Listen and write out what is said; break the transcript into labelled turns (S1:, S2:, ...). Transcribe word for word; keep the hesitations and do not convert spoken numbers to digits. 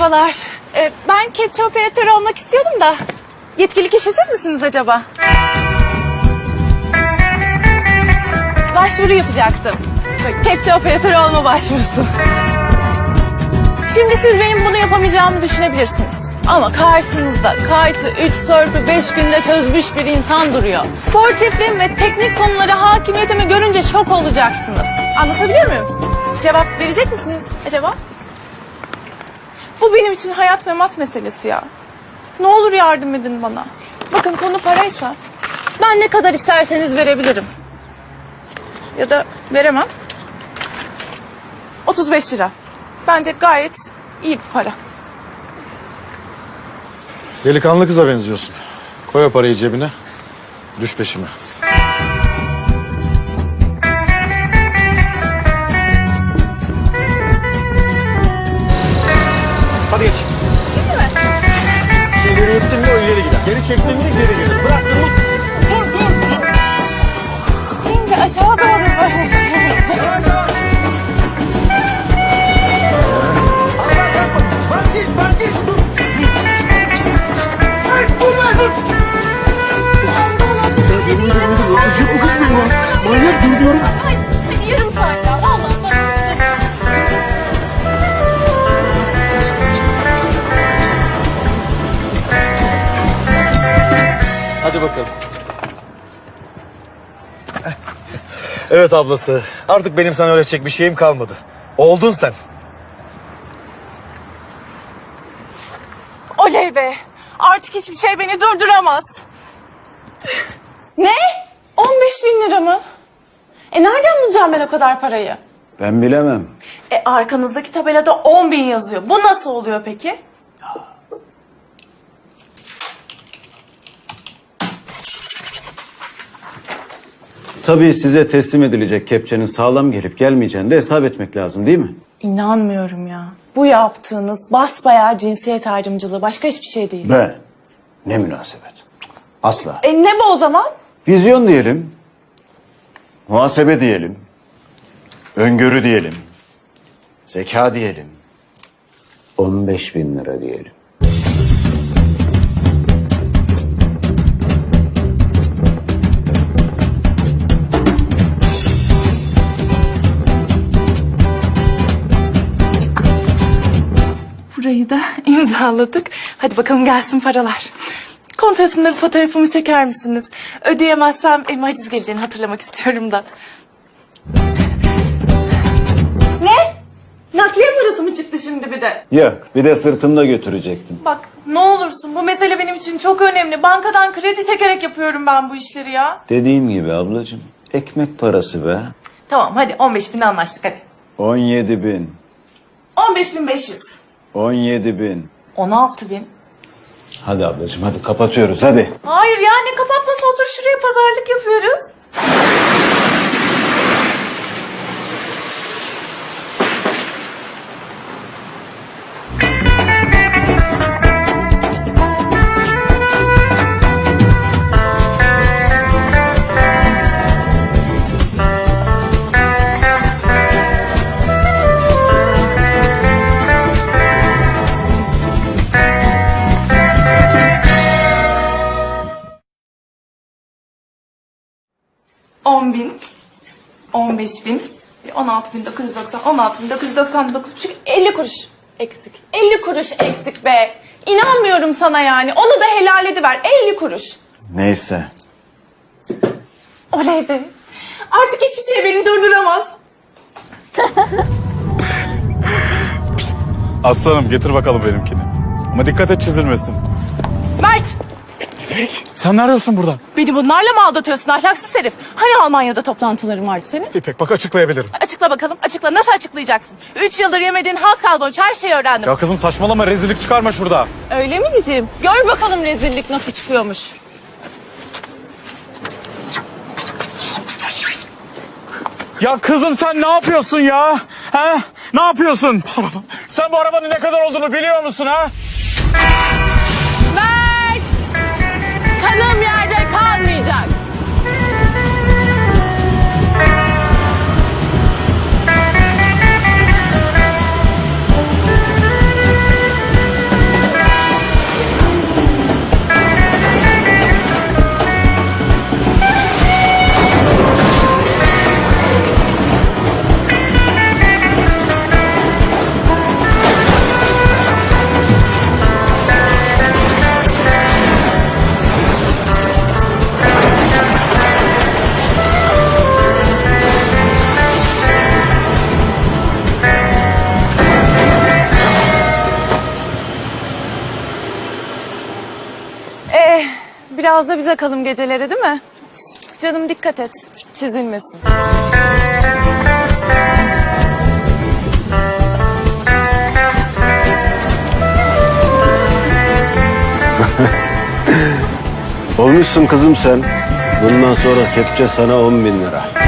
S1: Merhabalar. Ee, ben kepçe operatörü olmak istiyordum da. Yetkili kişi siz misiniz acaba? Başvuru yapacaktım. Böyle kepçe operatörü olma başvurusu. Şimdi siz benim bunu yapamayacağımı düşünebilirsiniz. Ama karşınızda kaytı, üç sörfü beş günde çözmüş bir insan duruyor. Sportifliğim ve teknik konulara hakimiyetimi görünce şok olacaksınız. Anlatabiliyor muyum? Cevap verecek misiniz acaba? Bu benim için hayat memat meselesi ya. Ne olur yardım edin bana. Bakın konu paraysa ben ne kadar isterseniz verebilirim. Ya da veremem. otuz beş lira. Bence gayet iyi bir para.
S2: Delikanlı kıza benziyorsun. Koy o parayı cebine. Düş peşime. Hadi geç.
S1: Şimdi mi?
S2: Şimdi ileri gittin mi o ileri gider. Geri çektin mi geri gelir. Bıraktın mı? Dur dur dur.
S1: İnce aşağı doğru böyle şey yapacağım.
S2: Yavaş yavaş. Bak git bak git. Dur. Ay dur lan dur. Benim de benim de öldürecek bu kız beni lan. Manyak dur diyorum.
S1: Ay, hadi yarım saat daha. Vallahi bak işte.
S2: Hadi bakalım. Evet ablası. Artık benim sana öğretecek bir şeyim kalmadı. Oldun sen.
S1: Oley be. Artık hiçbir şey beni durduramaz. Ne? on beş bin lira mı? E nereden bulacağım ben o kadar parayı?
S3: Ben bilemem.
S1: E arkanızdaki tabelada on bin yazıyor. Bu nasıl oluyor peki?
S3: Tabii size teslim edilecek kepçenin sağlam gelip gelmeyeceğini de hesap etmek lazım değil mi?
S1: İnanmıyorum ya. Bu yaptığınız basbayağı cinsiyet ayrımcılığı. Başka hiçbir şey değil.
S3: Be, ne münasebet. Asla.
S1: E ne bu o zaman?
S3: Vizyon diyelim. Muhasebe diyelim. Öngörü diyelim. Zeka diyelim. on beş bin lira diyelim.
S1: Burayı da imzaladık. Hadi bakalım gelsin paralar. Kontratımda bir fotoğrafımı çeker misiniz? Ödeyemezsem elime haciz geleceğini hatırlamak istiyorum da. Ne? Nakliye parası mı çıktı şimdi bir de?
S3: Yok, bir de sırtımda götürecektim.
S1: Bak ne olursun bu mesele benim için çok önemli. Bankadan kredi çekerek yapıyorum ben bu işleri ya.
S3: Dediğim gibi ablacığım, ekmek parası be.
S1: Tamam hadi on beş bin anlaştık hadi.
S3: on yedi bin.
S1: on beş bin beş yüz.
S3: on yedi bin.
S1: on altı bin.
S3: Hadi ablacığım hadi kapatıyoruz hadi.
S1: Hayır ya ne kapatması, otur şuraya, pazarlık yapıyoruz. on bin, on beş bin, on altı bin dokuz yüz doksan, on altı bin dokuz yüz doksan dokuz, elli kuruş eksik. elli kuruş eksik be. İnanmıyorum sana yani. Onu da helal ediver. elli kuruş.
S3: Neyse.
S1: Oley be. Artık hiçbir şey beni durduramaz.
S4: Aslanım getir bakalım benimkini. Ama dikkat et çizilmesin.
S1: Mert,
S4: Sen ne arıyorsun burada?
S1: beni bunlarla mı aldatıyorsun ahlaksız herif? Hani Almanya'da toplantıların vardı senin?
S4: İpek bak açıklayabilirim.
S1: Açıkla bakalım, açıkla. Nasıl açıklayacaksın? Üç yıldır yemediğin halt kalmamış, her şeyi öğrendim.
S4: Ya kızım saçmalama, rezillik çıkarma şurada.
S1: Öyle mi cicim? Gör bakalım rezillik nasıl çıkıyormuş.
S4: Ya kızım sen ne yapıyorsun ya? Ha? Ne yapıyorsun? Sen bu arabanın ne kadar olduğunu biliyor musun ha?
S1: Mert! Kanım yerde kalmayacak. Biraz da bize kalın geceleri değil mi? Canım dikkat et. Çizilmesin.
S3: Olmuşsun kızım sen. Bundan sonra kepçe sana on bin lira.